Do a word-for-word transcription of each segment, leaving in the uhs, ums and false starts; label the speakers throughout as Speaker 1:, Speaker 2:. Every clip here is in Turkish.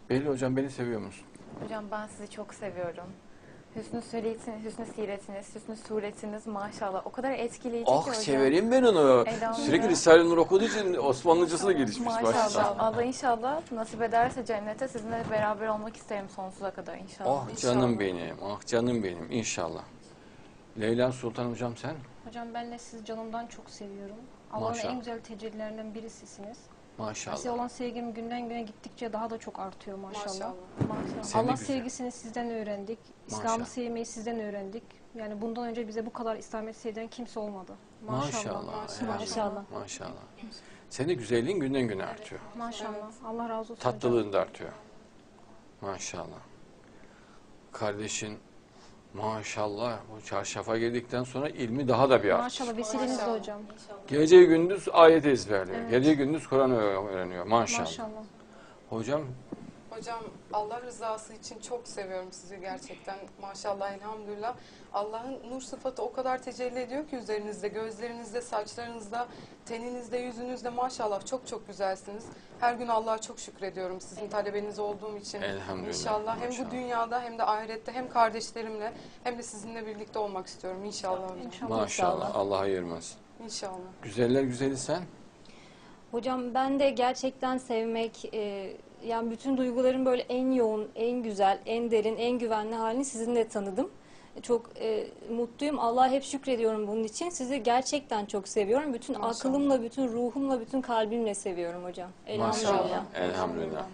Speaker 1: Belli hocam, beni seviyor musun?
Speaker 2: Hocam ben sizi çok seviyorum. Hüsnü suretiniz, hüsnü siretiniz, hüsnü suretiniz maşallah o kadar etkileyici ki
Speaker 1: Ah,
Speaker 2: hocam.
Speaker 1: severim ben onu.
Speaker 2: Elhamdülillah.
Speaker 1: Sürekli Risale-i Nur okuduğu için Osmanlıcası da gelişmiş.
Speaker 2: Maşallah. Allah inşallah nasip ederse cennete sizinle beraber olmak isterim sonsuza kadar inşallah.
Speaker 1: Ah canım benim, ah canım benim inşallah. Leyla Sultan hocam sen?
Speaker 3: Hocam ben de sizi canımdan çok seviyorum. Allah'ın
Speaker 1: Maşallah.
Speaker 3: en güzel tecellilerinden birisisiniz.
Speaker 1: Maşallah.
Speaker 3: Size olan sevgim günden güne gittikçe daha da çok artıyor maşallah.
Speaker 4: Maşallah.
Speaker 2: Maşallah.
Speaker 1: Sen de
Speaker 3: Allah
Speaker 1: güzel.
Speaker 3: sevgisini sizden öğrendik.
Speaker 1: Maşallah.
Speaker 3: İslam'ı sevmeyi sizden öğrendik. Yani bundan önce bize bu kadar İslamiyet sevdiren kimse olmadı. Maşallah.
Speaker 1: Maşallah.
Speaker 3: Maşallah.
Speaker 1: Maşallah. Maşallah. Senin güzelliğin günden güne artıyor.
Speaker 3: Maşallah. Allah razı olsun hocam.
Speaker 1: Tatlılığın da artıyor. Maşallah. Kardeşin maşallah bu çarşafa geldikten sonra ilmi daha da bir arttı.
Speaker 3: Maşallah vesilenizle
Speaker 4: Maşallah.
Speaker 3: hocam.
Speaker 1: Gece gündüz ayet ezberliyor.
Speaker 3: Evet.
Speaker 1: Gece gündüz Kur'an öğreniyor. Maşallah.
Speaker 3: Maşallah.
Speaker 1: Hocam
Speaker 4: Hocam Allah rızası için çok seviyorum sizi gerçekten. Maşallah elhamdülillah. Allah'ın nur sıfatı o kadar tecelli ediyor ki üzerinizde, gözlerinizde, saçlarınızda, teninizde, yüzünüzde maşallah çok çok güzelsiniz. Her gün Allah'a çok şükrediyorum sizin talebeniz olduğum için.
Speaker 1: Elhamdülillah,
Speaker 4: İnşallah hem
Speaker 1: maşallah.
Speaker 4: bu dünyada hem de ahirette hem kardeşlerimle hem de sizinle birlikte olmak istiyorum inşallah hocam.
Speaker 3: İnşallah.
Speaker 1: maşallah Allah ayırmaz.
Speaker 4: İnşallah.
Speaker 1: Güzeller güzeli sen.
Speaker 5: Hocam ben de gerçekten sevmek, e, yani bütün duyguların böyle en yoğun, en güzel, en derin, en güvenli halini sizinle tanıdım. Çok e, mutluyum. Allah'a hep şükrediyorum bunun için. Sizi gerçekten çok seviyorum. Bütün
Speaker 4: Maşallah.
Speaker 5: aklımla, bütün ruhumla, bütün kalbimle seviyorum hocam. Elhamdülillah.
Speaker 1: Maşallah. Elhamdülillah.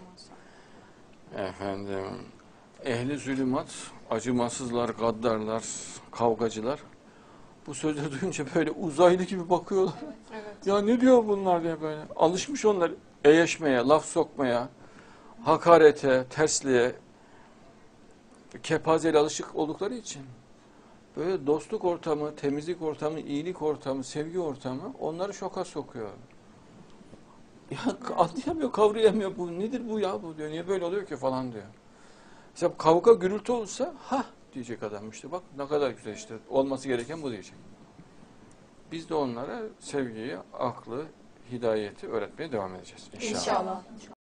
Speaker 1: Efendim, ehli zulümat, acımasızlar, gaddarlar, kavgacılar bu sözleri duyunca böyle uzaylı gibi bakıyorlar.
Speaker 4: Evet.
Speaker 1: Ya ne diyor bunlar diye böyle. Alışmış onlar eyeşmeye, laf sokmaya, hakarete, tersliğe, kepazeyle alışık oldukları için. Böyle dostluk ortamı, temizlik ortamı, iyilik ortamı, sevgi ortamı onları şoka sokuyor. Ya anlayamıyor, kavrayamıyor, bu nedir bu ya bu diyor. Niye böyle oluyor ki falan diyor. Mesela kavga gürültü olsa ha diyecek adam işte bak ne kadar güzel işte olması gereken bu diyecek. Biz de onlara sevgiyi, aklı, hidayeti öğretmeye devam edeceğiz inşallah.
Speaker 4: İnşallah.